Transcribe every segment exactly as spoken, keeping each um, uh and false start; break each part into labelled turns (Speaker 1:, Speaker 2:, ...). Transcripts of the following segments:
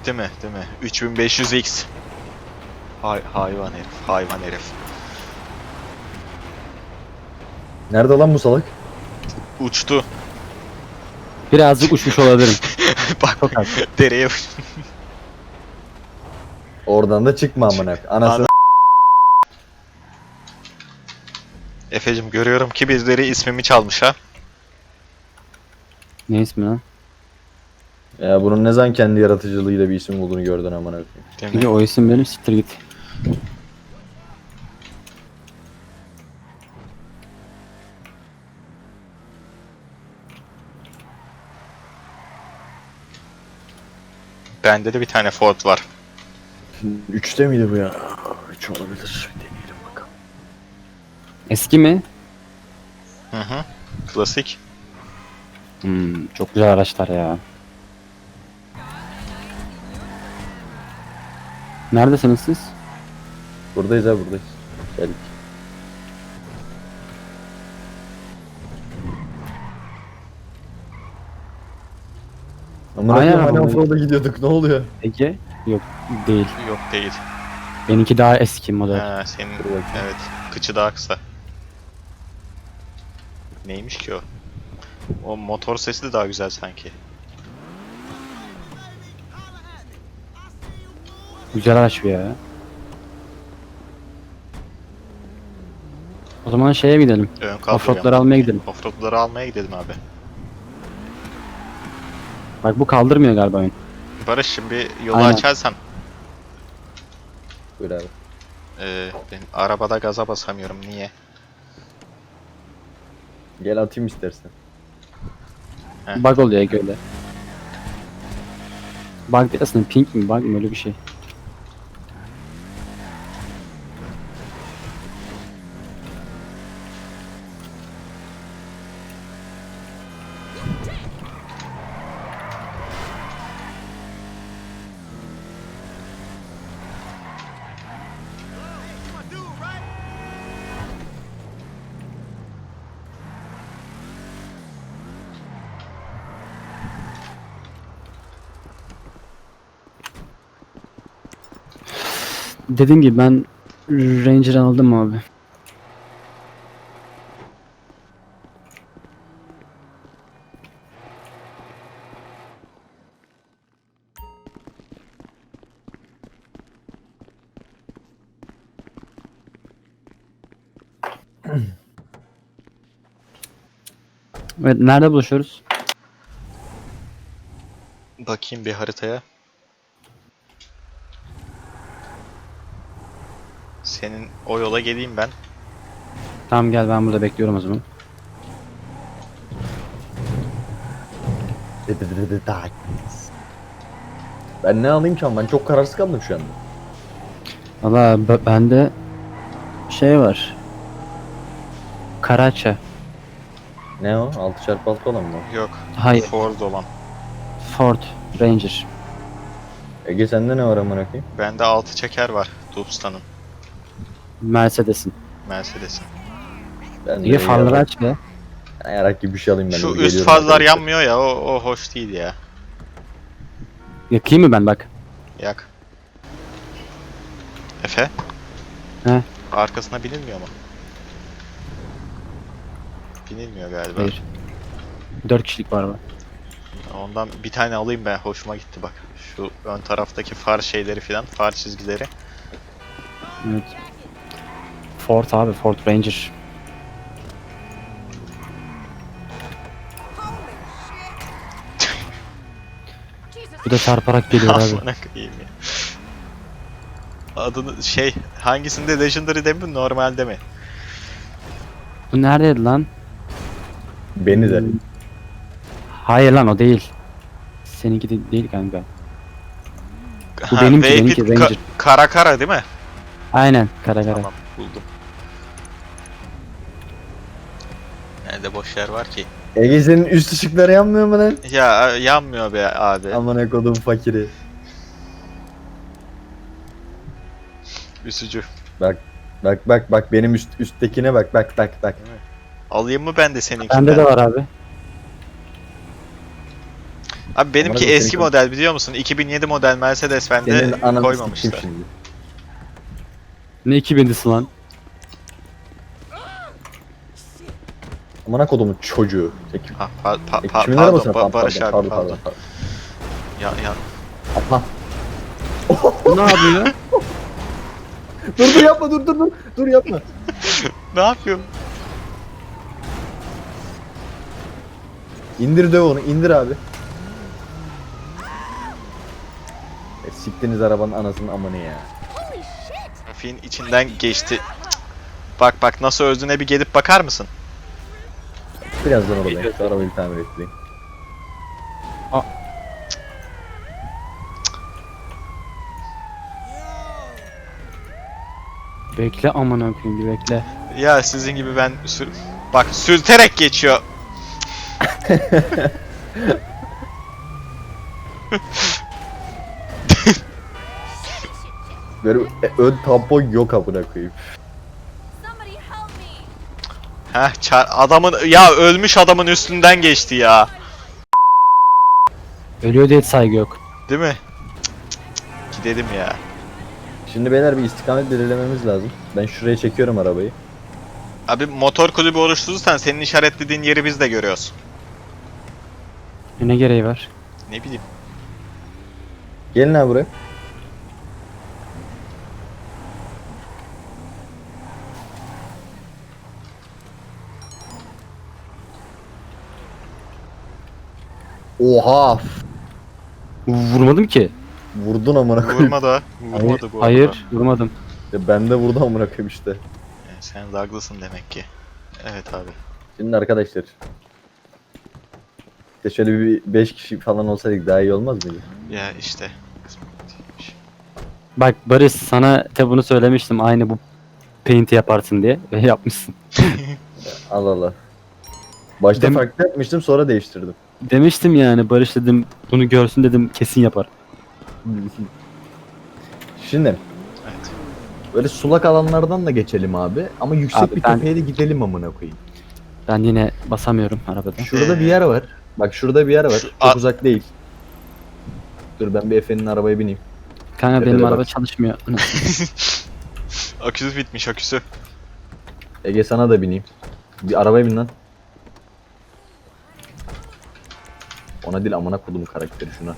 Speaker 1: değil mi? Değil mi? üç bin beş yüz X. Hay hayvan herif, hayvan herif.
Speaker 2: Nerede lan bu salak?
Speaker 1: Uçtu.
Speaker 3: Birazcık uçmuş olabilirim.
Speaker 1: Bak
Speaker 3: Çok az.
Speaker 1: dereye uç-
Speaker 2: Oradan da çıkma amına. Anasını.
Speaker 1: Ana- Efecim görüyorum ki birileri ismimi çalmış ha.
Speaker 3: Ne ismi lan?
Speaker 2: Ya bunun ne zaman kendi yaratıcılığıyla bir isim olduğunu gördün amına koyayım.
Speaker 1: Değil
Speaker 3: Çünkü
Speaker 1: mi?
Speaker 3: o isim benim, siktir git.
Speaker 1: Bende de bir tane Ford var.
Speaker 2: Üçte miydi bu ya? Üç olabilir. Deneyelim bakalım.
Speaker 3: Eski mi?
Speaker 1: Hı hı. Klasik.
Speaker 3: Hmm, çok güzel araçlar ya. Neredesiniz siz?
Speaker 2: Buradayız ha buradayız. Geldik. Amına
Speaker 3: Aynen
Speaker 2: koyayım hani
Speaker 3: abi.
Speaker 2: offroad'a gidiyorduk ne oluyor?
Speaker 3: Ege? Yok, değil.
Speaker 1: Yok değil.
Speaker 3: Benimki daha eski model.
Speaker 1: Ha, senin
Speaker 2: Dur bakayım.
Speaker 1: evet kıçı daha kısa. Neymiş ki o? O motor sesi de daha güzel sanki.
Speaker 3: Güzel araç bu ya. O zaman şeye gidelim.
Speaker 1: Ön kaldırıyorum.
Speaker 3: Offroad'ları almaya gidelim.
Speaker 1: Offroad'ları almaya gidelim abi.
Speaker 3: Bak bu kaldırmıyor galiba oyun.
Speaker 1: Barış şimdi yolu
Speaker 3: Aynen.
Speaker 1: açarsan
Speaker 2: Buyur abi.
Speaker 1: e, ben arabada gaza basamıyorum niye?
Speaker 2: Gel atayım istersen.
Speaker 1: Heh.
Speaker 3: Bug oluyor Ege öyle. Bug değil aslında, pink mi bug mı, öyle bir şey. Dediğim gibi ben Ranger aldım abi. Evet, nerede buluşuyoruz?
Speaker 1: Bakayım bir haritaya. Senin o yola geleyim ben.
Speaker 3: Tamam gel, ben burada bekliyorum o zaman.
Speaker 2: Ben ne alayım ki ama ben çok kararsız kaldım şu anda.
Speaker 3: Valla b- bende şey var. Karaça.
Speaker 2: Ne o? altı çarpı altı olan mı?
Speaker 1: Yok.
Speaker 3: Hayır.
Speaker 1: Ford olan.
Speaker 3: Ford Ranger.
Speaker 2: Ege sende ne var amına koyayım?
Speaker 1: Bende altı çeker var. Tucson'un.
Speaker 3: Mercedes'in.
Speaker 1: Mercedes'in.
Speaker 2: Ben
Speaker 3: Ege farları aç be.
Speaker 2: Yarak gibi bir şey alayım ben.
Speaker 1: Şu
Speaker 2: de,
Speaker 1: üst
Speaker 2: geliyorum
Speaker 1: fazlar
Speaker 2: arkadaşlar.
Speaker 1: yanmıyor ya o, o hoş değil ya.
Speaker 3: Yakayım mı ben bak?
Speaker 1: Yak. Efe?
Speaker 3: He?
Speaker 1: Arkasına binilmiyor mu? Binilmiyor galiba.
Speaker 3: Hayır. Dört kişilik var mı?
Speaker 1: Ondan bir tane alayım ben. Hoşuma gitti bak. Şu ön taraftaki far şeyleri filan, far çizgileri.
Speaker 3: Evet. Ford abi, Ford Ranger. Bu da çarparak geliyor abi.
Speaker 1: Amına koyayım ya. Adını şey hangisinde Legendary de mi normalde mi?
Speaker 3: Bu neredeydi lan?
Speaker 2: Beni de.
Speaker 3: Hayır lan, o değil. Seninki de değil kanka. Bu
Speaker 1: Ha,
Speaker 3: benimki,
Speaker 1: Vapid
Speaker 3: benimki,
Speaker 1: Ka-
Speaker 3: Ranger.
Speaker 1: kara kara değil mi?
Speaker 3: Aynen, kara kara.
Speaker 1: Tamam buldum. Nerede boş yer var ki?
Speaker 2: Ege senin üst ışıkları yanmıyor mu lan?
Speaker 1: Ya yanmıyor be abi.
Speaker 2: Amına kodum fakiri.
Speaker 1: Üzücü.
Speaker 2: Bak bak bak bak benim üst üsttekine bak bak bak bak.
Speaker 1: Alayım mı ben de seninkinden?
Speaker 3: Bende de var abi.
Speaker 1: Abi benimki
Speaker 2: Amına koyayım,
Speaker 1: eski
Speaker 2: senin-
Speaker 1: model biliyor musun? iki bin yedi model Mercedes bende
Speaker 2: Senin ananı sikeyim
Speaker 1: koymamışlar.
Speaker 2: şimdi.
Speaker 3: Ne iki bindisi lan?
Speaker 2: Amına kodumun çocuğu. Çek.
Speaker 1: Ha, pa, pa,
Speaker 2: E,
Speaker 1: pa,
Speaker 2: kimin
Speaker 1: pardon,
Speaker 2: arabasına?
Speaker 1: Ba-
Speaker 2: Pardon,
Speaker 1: Barış abi
Speaker 2: pardon,
Speaker 1: pardon.
Speaker 2: pardon, pardon.
Speaker 1: Ya ya
Speaker 2: Atla.
Speaker 3: Bu ne yapıyor?
Speaker 2: Dur dur yapma dur dur dur. Dur yapma.
Speaker 1: ne yapıyor?
Speaker 2: İndir döv onu indir abi. E, siktiniz arabanın anasının amanı ya.
Speaker 1: Trafiğin içinden geçti. Cık. Bak bak nasıl öldüğüne bir gelip bakar mısın?
Speaker 2: Birazdan oradayım. Şu arabayı bir tamir ettireyim.
Speaker 3: Bekle aman koyayım bir bekle.
Speaker 1: Ya sizin gibi ben sür... Bak sürterek geçiyor.
Speaker 2: Böyle e, ön tampon yok amına koyayım.
Speaker 4: Somebody help me.
Speaker 1: Heh çar- adamın ya ölmüş adamın üstünden geçti ya.
Speaker 3: Ölüyor diye saygı yok.
Speaker 1: Değil mi? Cık, cık, cık. Gidelim ya.
Speaker 2: Şimdi beyler bir istikamet belirlememiz lazım. Ben şuraya çekiyorum arabayı.
Speaker 1: Abi motor kulübü oluşturursan senin işaretlediğin yeri biz de görüyoruz.
Speaker 3: Ne gereği var?
Speaker 1: Ne bileyim.
Speaker 2: Gelin abi buraya. Oha!
Speaker 3: Vurmadım ki.
Speaker 2: Vurdun amına koyayım.
Speaker 1: Vurma da. Vurmadı bu arada.
Speaker 3: Hayır vurmadım.
Speaker 2: Ya ben de vurdum amına koyayım işte.
Speaker 1: E, Sen de haklısın demek ki. Evet abi.
Speaker 2: Şimdi arkadaşlar. İşte şöyle bir beş kişi falan olsaydık daha iyi olmaz mıydı?
Speaker 1: Ya işte. Kısmetiymiş.
Speaker 3: Bak Barış sana de bunu söylemiştim aynı bu paint'i yaparsın diye ve yapmışsın.
Speaker 2: Allah Allah. Başta
Speaker 3: Dem-
Speaker 2: farklı yapmıştım sonra değiştirdim.
Speaker 3: Demiştim yani Barış dedim bunu görsün dedim kesin yapar.
Speaker 2: Şimdi
Speaker 1: Evet.
Speaker 2: böyle sulak alanlardan da geçelim abi ama yüksek
Speaker 3: Abi
Speaker 2: bir
Speaker 3: ben-
Speaker 2: tepeye de gidelim amına koyayım.
Speaker 3: Ben yine basamıyorum arabada.
Speaker 2: Şurada
Speaker 1: Ee,
Speaker 2: bir yer var. Bak şurada bir yer var.
Speaker 1: şu-
Speaker 2: Çok
Speaker 1: a-
Speaker 2: uzak değil. Dur ben bir Efe'nin arabaya bineyim.
Speaker 3: Kanka
Speaker 2: Tepede
Speaker 3: benim
Speaker 2: bak.
Speaker 3: araba çalışmıyor.
Speaker 1: Aküsü bitmiş aküsü.
Speaker 2: Ege sana da bineyim. Bir arabaya bin lan. Ona değil amına kodumun karakteri şuna.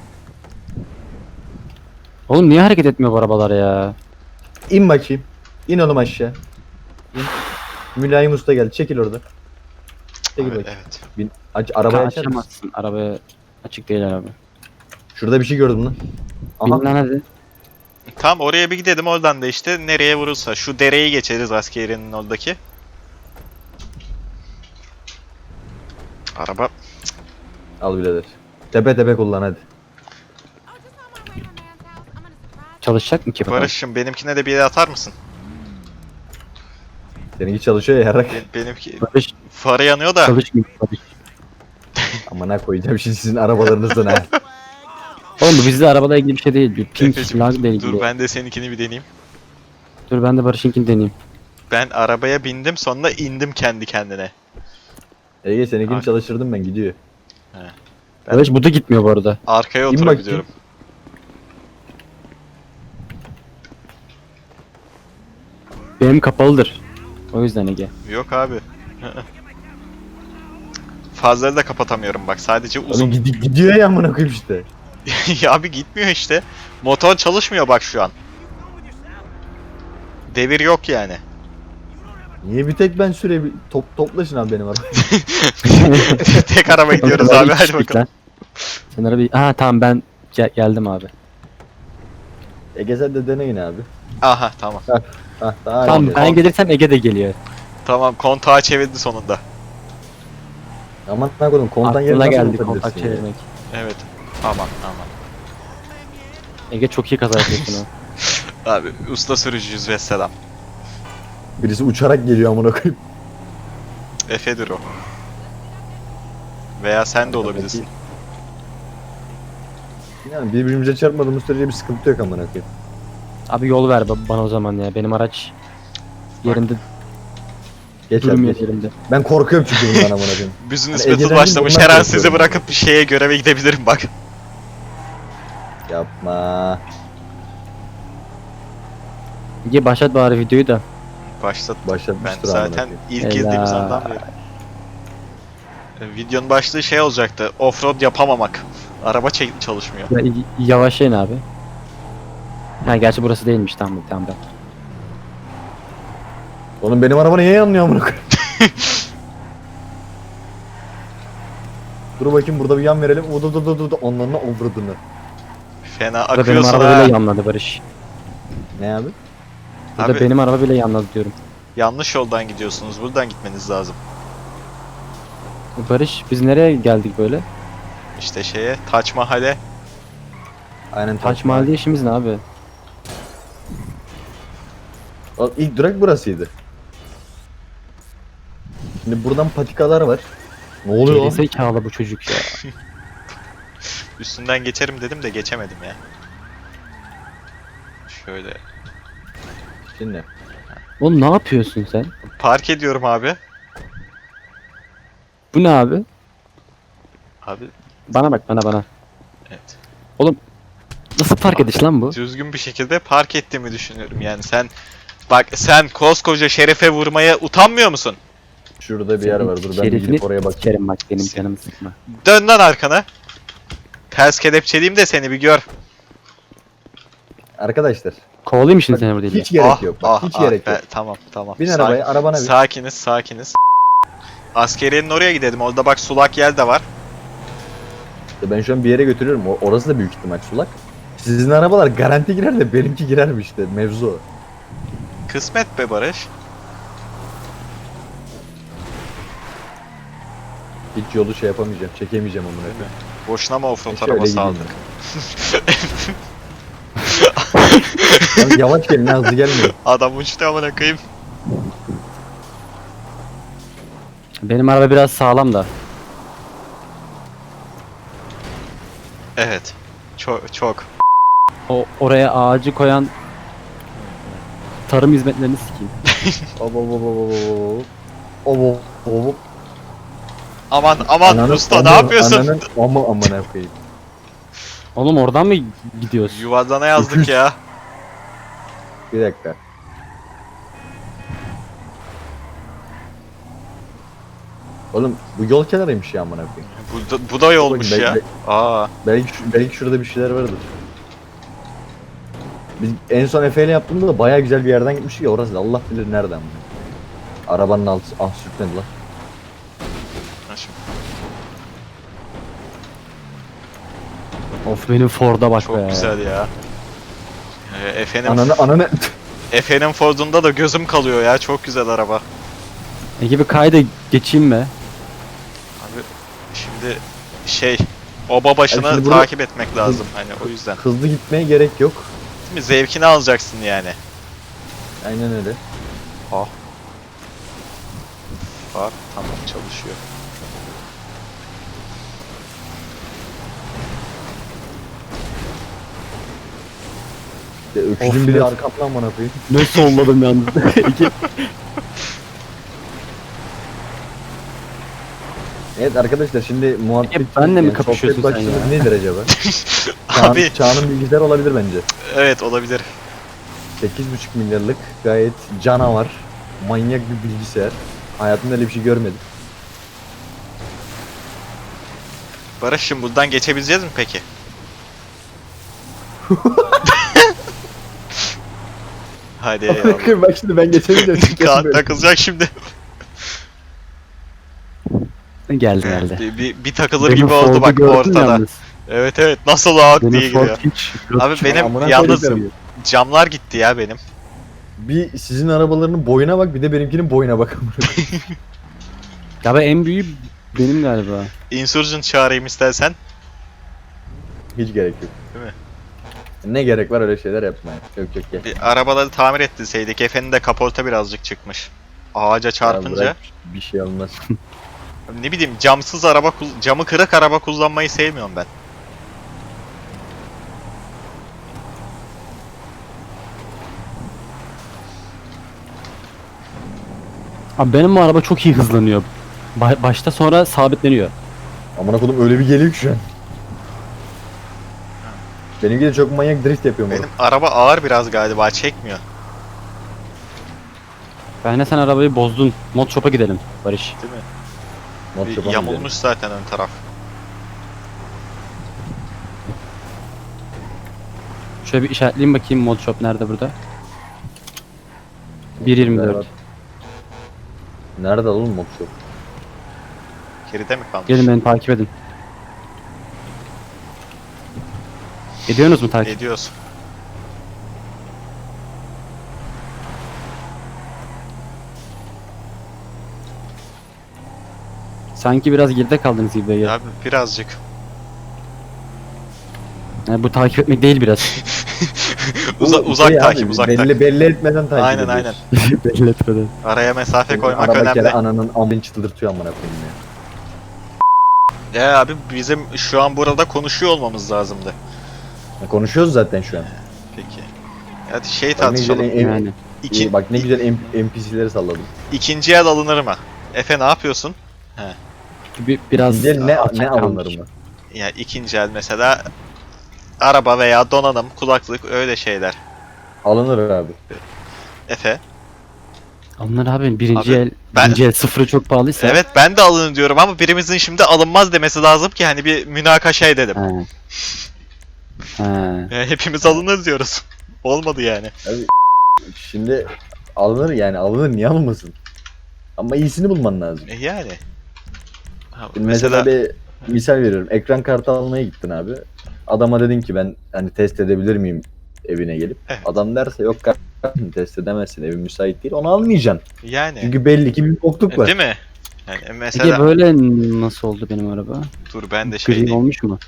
Speaker 3: Oğlum niye hareket etmiyor bu arabalar ya?
Speaker 2: İn bakayım. İn oğlum aşağı. İn. Mülayim Usta geldi. Çekil orada. Çekil
Speaker 1: Evet,
Speaker 2: bakayım.
Speaker 1: evet.
Speaker 2: Bin. Aç, arabayı açar mısın?
Speaker 3: Açamazsın. Arabaya açık değil araba.
Speaker 2: Şurada bir şey gördüm lan.
Speaker 3: Bin
Speaker 2: Aha.
Speaker 3: lan hadi.
Speaker 1: Tam oraya bir gidelim oradan da işte nereye vurursa. Şu dereyi geçeriz askeriyenin oradaki. Araba
Speaker 2: Al birader. Tepe tepe kullan hadi.
Speaker 4: Oh, just on my way to man's house. I'm gonna surprise.
Speaker 3: Çalışacak mı ki bakalım?
Speaker 1: Barış'ım benimkine de bir yere atar mısın?
Speaker 2: Seninki çalışıyor ya yarak.
Speaker 1: Ben- benimki
Speaker 3: Barış
Speaker 1: farı yanıyor da.
Speaker 3: çalışmıyor Barış.
Speaker 2: Amına koyacağım şimdi sizin arabalarınızdan ha.
Speaker 3: Oğlum bu bizde arabada ilgili bir şey değil. Bir pink
Speaker 1: Efeciğim,
Speaker 3: lag ile ilgili.
Speaker 1: dur ben de seninkini bir deneyeyim.
Speaker 3: Dur ben de Barış'ınkini deneyeyim.
Speaker 1: Ben arabaya bindim sonra indim kendi kendine.
Speaker 2: Ege seninkini
Speaker 1: Ay.
Speaker 2: çalıştırdım ben gidiyor.
Speaker 1: Ben-
Speaker 3: Barış bu da gitmiyor bu arada.
Speaker 1: Arkaya
Speaker 2: İn
Speaker 1: oturabiliyorum.
Speaker 3: Benim kapalıdır. O yüzden Ege.
Speaker 1: Yok abi. Fazları da kapatamıyorum bak sadece
Speaker 2: Oğlum
Speaker 1: uzun.
Speaker 2: gidi- gidiyor ya amına koyayım işte.
Speaker 1: Ya abi gitmiyor işte. Motor çalışmıyor bak şu an. Devir yok yani.
Speaker 2: Niye bir tek ben süre top toplaşın abi benim arabaya.
Speaker 1: Tek araba gidiyoruz
Speaker 3: Oğlum,
Speaker 1: abi
Speaker 3: iki
Speaker 1: hadi
Speaker 3: kişilik
Speaker 1: bakalım.
Speaker 3: lan. Sen arabayı... Aha tamam ben gel- geldim abi.
Speaker 2: Ege sen de dene yine abi.
Speaker 1: Aha tamam.
Speaker 2: Hah daha
Speaker 3: Tamam
Speaker 2: iyi.
Speaker 3: ben gelirsem Ege de geliyor.
Speaker 1: Tamam kontağı çevirdi sonunda.
Speaker 2: Aman ne koydum kontan yeri
Speaker 3: Aklına
Speaker 2: nasıl
Speaker 3: geldi
Speaker 2: unutabilirsin
Speaker 3: kontak
Speaker 2: ya?
Speaker 3: çevirmek.
Speaker 1: Evet. Aman aman.
Speaker 3: Ege çok iyi kaza yapıyorsun o.
Speaker 1: Abi usta sürücüyüz ve selam.
Speaker 2: Birisi uçarak geliyor amına koyayım.
Speaker 1: Efe'dir o. Veya sen de olabilirsin.
Speaker 2: Yani birbirimize çarpmadığımız sürece bir sıkıntı yok amına koyayım.
Speaker 3: Abi yol ver ba- bana o zaman ya. Benim araç yerinde
Speaker 2: Geç abi
Speaker 3: durmuyor
Speaker 2: geç.
Speaker 3: yerimde.
Speaker 2: Ben korkuyorum çünkü bundan amına koyayım.
Speaker 1: Business
Speaker 2: Hani
Speaker 1: battle
Speaker 2: Ege'den
Speaker 1: başlamış.
Speaker 2: bundan
Speaker 1: Her an
Speaker 2: korkuyorum
Speaker 1: sizi
Speaker 2: yani.
Speaker 1: bırakıp şeye göreve gidebilirim bak.
Speaker 2: Yapma.
Speaker 3: Ege başlat bari videoyu da.
Speaker 1: Başlat. Ben
Speaker 2: Başlatmıştır
Speaker 1: zaten
Speaker 2: amına
Speaker 1: ilk
Speaker 3: Helal.
Speaker 1: girdiğimiz andan beri. E, Videonun başlığı şey olacaktı. Offroad yapamamak. Araba çek- çalışmıyor.
Speaker 3: Ya, y- yavaşlayın abi. Ha gerçi burası değilmiş tamam tamam. tamam.
Speaker 2: Oğlum benim araba niye yanmıyor amına koyayım? Dur bakayım burada bir yan verelim. Udu du du du du onlarına ovradını.
Speaker 1: Fena
Speaker 3: Burada benim
Speaker 1: akıyorsun
Speaker 3: araba
Speaker 1: ha.
Speaker 3: bile yanladı Barış.
Speaker 2: Ne abi?
Speaker 3: Burada
Speaker 1: Abi-
Speaker 3: benim araba bile yanladı diyorum.
Speaker 1: Yanlış yoldan gidiyorsunuz. Buradan gitmeniz lazım.
Speaker 3: Barış biz nereye geldik böyle?
Speaker 1: İşte şeye, Taç Mahal'e.
Speaker 2: Aynen
Speaker 3: Taç Mahal'de işimiz ne abi?
Speaker 2: O ilk durak burasıydı. Şimdi buradan patikalar var. Ne oluyor lan?
Speaker 3: Gerizekalı bu çocuk ya.
Speaker 1: Üstünden geçerim dedim de geçemedim ya. Şöyle.
Speaker 2: Şimdi.
Speaker 3: Oğlum ne yapıyorsun sen?
Speaker 1: Park ediyorum abi.
Speaker 3: Bu ne abi?
Speaker 1: Abi
Speaker 3: Bana bak bana bana.
Speaker 1: evet.
Speaker 3: Nasıl park ediş lan bu?
Speaker 1: Düzgün bir şekilde park ettiğimi düşünüyorum yani. Sen bak sen koskoca Şeref'e vurmaya utanmıyor musun?
Speaker 2: Şurada bir yer var. Dur ben bir
Speaker 3: Şerefini
Speaker 2: gidip oraya bakayım.
Speaker 3: Kerim bak benim canımı sıkma.
Speaker 1: Dön lan arkana. Ters kelepçeliyim de seni bir gör.
Speaker 2: Arkadaşlar.
Speaker 3: Kovalayayım şimdi
Speaker 2: Bak,
Speaker 3: seni burada.
Speaker 2: hiç gerek yok. Bak, hiç gerek
Speaker 1: be,
Speaker 2: yok.
Speaker 1: Tamam tamam.
Speaker 2: Bin
Speaker 1: Sakin-
Speaker 2: arabaya, arabana bin.
Speaker 1: Sakiniz sakiniz. Askeriyenin oraya gidelim. Orada bak sulak yel de var.
Speaker 2: Ben şu an bir yere götürüyorum. O- Orası da büyük ihtimal sulak. Sizin arabalar garanti girer de benimki girer mi işte mevzu o.
Speaker 1: Kısmet be Barış.
Speaker 2: Hiç yolu şey yapamayacağım, çekemeyeceğim amına
Speaker 1: Değil mi?
Speaker 2: koyayım.
Speaker 1: Boşuna mı offroad
Speaker 2: Şöyle
Speaker 1: arabası
Speaker 2: gideyim
Speaker 1: aldık?
Speaker 2: Yalnız yavaş gelin ha, hızlı gelmeyin.
Speaker 1: Adam uçtu amına koyayım.
Speaker 3: Benim araba biraz sağlam da.
Speaker 1: Evet. Çok çok.
Speaker 3: O oraya ağacı koyan tarım hizmetlerini sikeyim.
Speaker 2: Hop hop hop hop hop hop hop hop hop.
Speaker 1: Aman aman
Speaker 2: Ananı-
Speaker 1: usta ne
Speaker 2: ananı-
Speaker 1: yapıyorsun?
Speaker 2: Ananın ama amına koyayım.
Speaker 3: Oğlum oradan mı gidiyoruz?
Speaker 1: Yuvarlana yazdık ya.
Speaker 2: Bir dakika. Oğlum bu yol kenarıymış ya amına koyayım.
Speaker 1: Bu da, bu da yolmuş
Speaker 2: Bakın,
Speaker 1: ya.
Speaker 2: belki-
Speaker 1: Aa.
Speaker 2: Belki şu- belki şurada bir şeyler vardır. Biz en son Efe ile yaptığımda da bayağı güzel bir yerden gitmiştik ya, orası da Allah bilir nereden. Arabanın altı ah sürtmedi lan.
Speaker 1: Ha şimdi.
Speaker 3: Of benim Ford'a bak
Speaker 1: Çok
Speaker 3: be.
Speaker 1: güzel ya. Ee, Efe'nin
Speaker 2: Ananı ananı
Speaker 1: Efe'nin Ford'unda da gözüm kalıyor ya. Çok güzel araba.
Speaker 3: Ege bir kayda geçeyim mi?
Speaker 1: Abi şimdi şey oba başını
Speaker 2: Yani şimdi burada-
Speaker 1: takip etmek lazım hani o yüzden.
Speaker 2: hızlı gitmeye gerek yok.
Speaker 1: Değil mi? Zevkini alacaksın yani.
Speaker 2: Aynen öyle.
Speaker 1: Bak tamam çalışıyor.
Speaker 2: Ya,
Speaker 3: Of
Speaker 2: öküzün bile
Speaker 3: ya.
Speaker 2: arkamdan bana koyayım.
Speaker 3: Ne solladım yalnız. Ege.
Speaker 2: Evet arkadaşlar şimdi muhabbet...
Speaker 3: Ege, benle mi
Speaker 2: yani
Speaker 3: kapışıyorsun
Speaker 2: sohbet
Speaker 3: sen
Speaker 2: başlığımız
Speaker 3: ya?
Speaker 2: nedir acaba? Çağın,
Speaker 1: Abi
Speaker 2: Çağının bilgisayar olabilir bence.
Speaker 1: evet olabilir.
Speaker 2: sekiz buçuk milyarlık gayet canavar, manyak bir bilgisayar. Hayatımda öyle bir şey görmedim.
Speaker 1: Barış'ım buradan geçebileceğiz mi peki? Hadi eyvallah.
Speaker 2: Bak şimdi ben geçemeyeceğim.
Speaker 1: Kaan takılacak şimdi.
Speaker 3: geldi geldi.
Speaker 1: bir, bir, bir takılır
Speaker 3: Benim
Speaker 1: gibi oldu
Speaker 3: Ford'u
Speaker 1: bak
Speaker 3: gördün
Speaker 1: ortada.
Speaker 3: yalnız.
Speaker 1: Evet evet nasıl ağır diye
Speaker 3: Benim
Speaker 1: gidiyor.
Speaker 3: Ford hiç.
Speaker 1: Abi benim
Speaker 2: Amına
Speaker 1: yalnız
Speaker 2: koyayım.
Speaker 1: camlar gitti ya benim.
Speaker 2: Bir sizin arabalarının boyuna bak, bir de benimkinin boyuna bak.
Speaker 3: Ya ben en büyüğü benim galiba.
Speaker 1: Insurgent çağırayım istersen.
Speaker 2: Hiç gerek yok.
Speaker 1: Değil mi?
Speaker 2: Ne gerek var öyle şeyler yapmaya? Yok yok gel.
Speaker 1: Bir arabaları tamir ettirseydik. Efe'nin de kaporta birazcık çıkmış. Ağaca
Speaker 2: Ya
Speaker 1: çarpınca.
Speaker 2: bırak, bir şey olmaz.
Speaker 1: Ne bileyim camsız araba, kul- camı kırık araba kullanmayı sevmiyorum ben.
Speaker 3: Abi benim bu araba çok iyi hızlanıyor. Ba- başta sonra sabitleniyor.
Speaker 2: Amına kodum öyle bir geliyor ki şu an. Benimki de çok manyak drift yapıyor moruk.
Speaker 1: Benim araba ağır biraz galiba, çekmiyor.
Speaker 3: Bence sen arabayı bozdun. Mod shop'a gidelim Barış.
Speaker 1: Değil mi?
Speaker 2: Mod
Speaker 1: Bir
Speaker 2: shop'a mı
Speaker 1: yamulmuş
Speaker 2: gidelim?
Speaker 1: zaten ön taraf.
Speaker 3: Şöyle bir işaretleyeyim bakayım mod shop nerede burada? bir yirmi dört.
Speaker 2: Nerede oğlum mod shop?
Speaker 1: Geride mi kalmış?
Speaker 3: Gelin beni takip edin. Ediyorsunuz mu takip?
Speaker 1: Ediyoruz.
Speaker 3: Sanki biraz geride kaldınız gibi ya.
Speaker 1: Abi birazcık.
Speaker 3: Yani bu takip etmek değil biraz.
Speaker 1: Uza-
Speaker 2: Bu
Speaker 1: uzak
Speaker 2: şey
Speaker 1: takip,
Speaker 2: abi,
Speaker 1: uzak
Speaker 2: belli,
Speaker 1: takip.
Speaker 2: belli etmeden takip
Speaker 1: Aynen,
Speaker 2: ediyoruz.
Speaker 3: Belli etmeden.
Speaker 1: Araya mesafe
Speaker 2: Benim
Speaker 1: koymak
Speaker 2: araba
Speaker 1: önemli.
Speaker 2: kere ananın amını çıldırtıyor amına koyayım ya.
Speaker 1: Ya abi bizim şu an burada konuşuyor olmamız lazımdı.
Speaker 2: Ya konuşuyoruz zaten şu an.
Speaker 1: Peki. Hadi şey
Speaker 2: Bak ne güzel,
Speaker 1: tartışalım.
Speaker 2: em-
Speaker 3: Yani.
Speaker 1: İki,
Speaker 2: bak ne güzel M- N P C'leri salladım.
Speaker 1: ikinci el alınır mı? Efe ne yapıyorsun?
Speaker 3: Bir, biraz
Speaker 2: Güzel ne,
Speaker 3: açık
Speaker 2: ne
Speaker 3: kalmış.
Speaker 2: alınır mı?
Speaker 1: Ya ikinci el mesela araba veya donanım, kulaklık öyle şeyler.
Speaker 2: Alınır abi.
Speaker 1: Efe.
Speaker 3: Onlar abi birinci
Speaker 1: Abi,
Speaker 3: el,
Speaker 1: ben-
Speaker 3: birinci el sıfırı çok pahalıysa.
Speaker 1: Evet ben de alın diyorum ama birimizin şimdi alınmaz demesi lazım ki hani bir münakaşa edelim.
Speaker 3: He. He.
Speaker 1: Ya hepimiz alınır diyoruz. Olmadı yani.
Speaker 2: Şimdi alınır yani alınır niye alınmasın? Ama iyisini bulman lazım.
Speaker 1: E yani. Ha,
Speaker 2: Şimdi
Speaker 1: mesela,
Speaker 2: mesela bir misal veriyorum. Ekran kartı almaya gittin abi. Adama dedin ki ben hani test edebilir miyim evine gelip.
Speaker 1: Evet.
Speaker 2: Adam derse yok kardeşim test edemezsin evin müsait değil onu almayacaksın.
Speaker 1: yani.
Speaker 2: Çünkü belli ki bir bokluk
Speaker 1: E,
Speaker 2: var.
Speaker 1: değil mi? Yani
Speaker 3: Peki
Speaker 1: mesela
Speaker 3: böyle nasıl oldu benim araba?
Speaker 1: dur ben de şey
Speaker 3: Gri
Speaker 1: diyeyim.
Speaker 3: olmuş mu?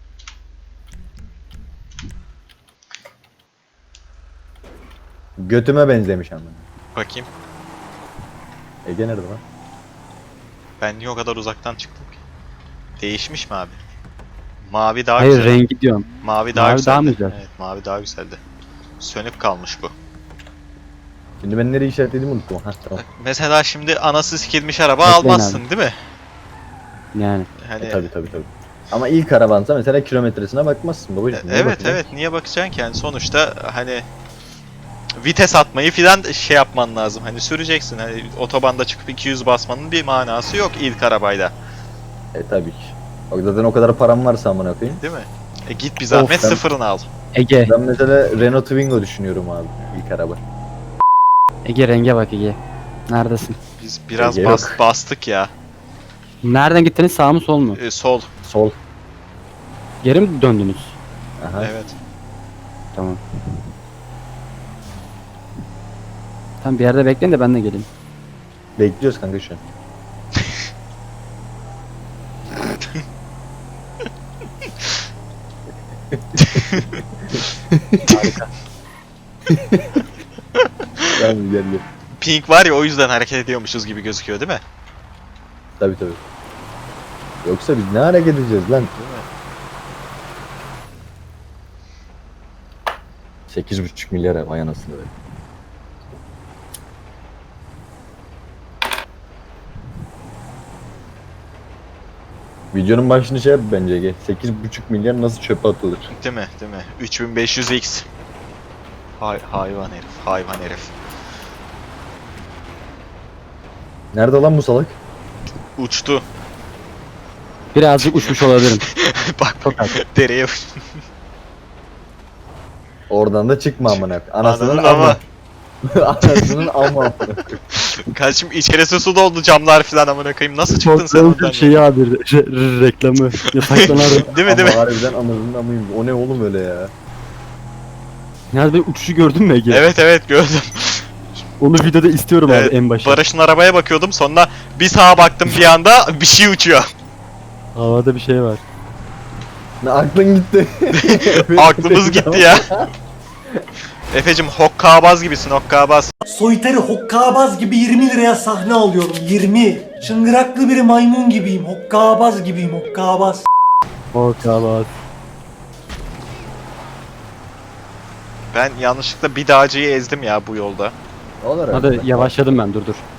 Speaker 2: Götüme benzemiş ama.
Speaker 1: Bakayım.
Speaker 2: Ege nerede lan?
Speaker 1: Ben niye o kadar uzaktan çıktım ki? Değişmiş mi abi? Mavi daha
Speaker 3: Hayır
Speaker 1: güzel.
Speaker 3: rengi diyorum.
Speaker 1: Mavi daha
Speaker 3: Mavi
Speaker 1: güzeldi.
Speaker 3: daha mı güzel?
Speaker 1: Evet, mavi daha güzeldi. Sönük kalmış bu.
Speaker 2: Şimdi ben nereye işaretlediğimi unuttum. Ha tamam.
Speaker 1: Mesela şimdi anası sikilmiş araba
Speaker 3: Bekleyin
Speaker 1: almazsın değil mi?
Speaker 3: Yani.
Speaker 1: Hani
Speaker 2: E, tabii tabii tabii. Ama ilk arabansa mesela kilometresine bakmazsın babacığım.
Speaker 1: E,
Speaker 2: Niye
Speaker 1: evet
Speaker 2: bakacaksın?
Speaker 1: evet niye bakacaksın ki yani sonuçta hani vites atmayı filan şey yapman lazım. Hani süreceksin. Hani otobanda çıkıp iki yüz basmanın bir manası yok ilk arabayla.
Speaker 2: E tabii ki. Bak zaten o kadar param varsa amına koyayım.
Speaker 1: Değil mi? E git bir zahmet
Speaker 2: Of, ben-
Speaker 1: sıfırını al.
Speaker 3: Ege.
Speaker 2: Ben mesela Renault Twingo düşünüyorum abi ilk araba.
Speaker 3: Ege renge bak Ege. Neredesin?
Speaker 1: Biz biraz
Speaker 2: Ege
Speaker 1: bas,
Speaker 2: yok.
Speaker 1: bastık ya.
Speaker 3: Nereden gittiniz sağ mı sol mu?
Speaker 1: E, sol.
Speaker 2: Sol.
Speaker 3: Geri mi döndünüz?
Speaker 2: Aha.
Speaker 1: Evet.
Speaker 3: Tamam. Tam bir yerde bekleyin de ben de geleyim.
Speaker 2: Bekliyoruz kanka şu an. Tamam gel gel.
Speaker 1: Pink var ya o yüzden hareket ediyormuşuz gibi gözüküyor değil mi?
Speaker 2: Tabii tabii. Yoksa biz ne hareket edeceğiz lan?
Speaker 1: Değil mi?
Speaker 2: sekiz buçuk milyar vay anasını be. Videonun başını şey yap bence Ege. sekiz buçuk milyar nasıl çöpe atılır?
Speaker 1: Değil mi? Değil mi? üç bin beş yüz X. Hay hayvan herif, hayvan herif.
Speaker 2: Nerede lan bu salak?
Speaker 1: Uçtu.
Speaker 3: Birazcık uçmuş olabilirim.
Speaker 1: Bak
Speaker 3: Çok az.
Speaker 1: dereye uç-
Speaker 2: Oradan da çıkma amına. Anasının
Speaker 1: Ananın
Speaker 2: ama.
Speaker 1: ama.
Speaker 2: Anasının ama.
Speaker 1: Kardeşim içerisi su doldu camlar falan amına koyayım. Nasıl çıktın sen oradan?
Speaker 3: Şeyi abi re- re- reklamı. Yasaklanan
Speaker 1: Değil mi değil mi?
Speaker 2: Ama harbiden anasının amıyım. O ne oğlum öyle ya?
Speaker 3: Ya bir uçuşu gördün mü Ege?
Speaker 1: Evet evet gördüm.
Speaker 3: Onu videoda istiyorum
Speaker 1: Evet,
Speaker 3: abi en başta.
Speaker 1: Barış'ın arabaya bakıyordum sonra bir sağa baktım bir anda bir şey uçuyor.
Speaker 3: Havada bir şey var.
Speaker 2: Ne aklın gitti.
Speaker 1: Aklımız gitti ya. Efecim hokkabaz gibisin hokkabaz.
Speaker 5: Soytarı hokkabaz gibi yirmi liraya sahne alıyorum yirmi. Çıngıraklı bir maymun gibiyim. Hokkabaz gibiyim hokkabaz.
Speaker 3: O kabat.
Speaker 1: Ben yanlışlıkla bir dağcıyı ezdim ya bu yolda.
Speaker 2: Olur abi.
Speaker 3: Hadi yavaşladım ben dur dur.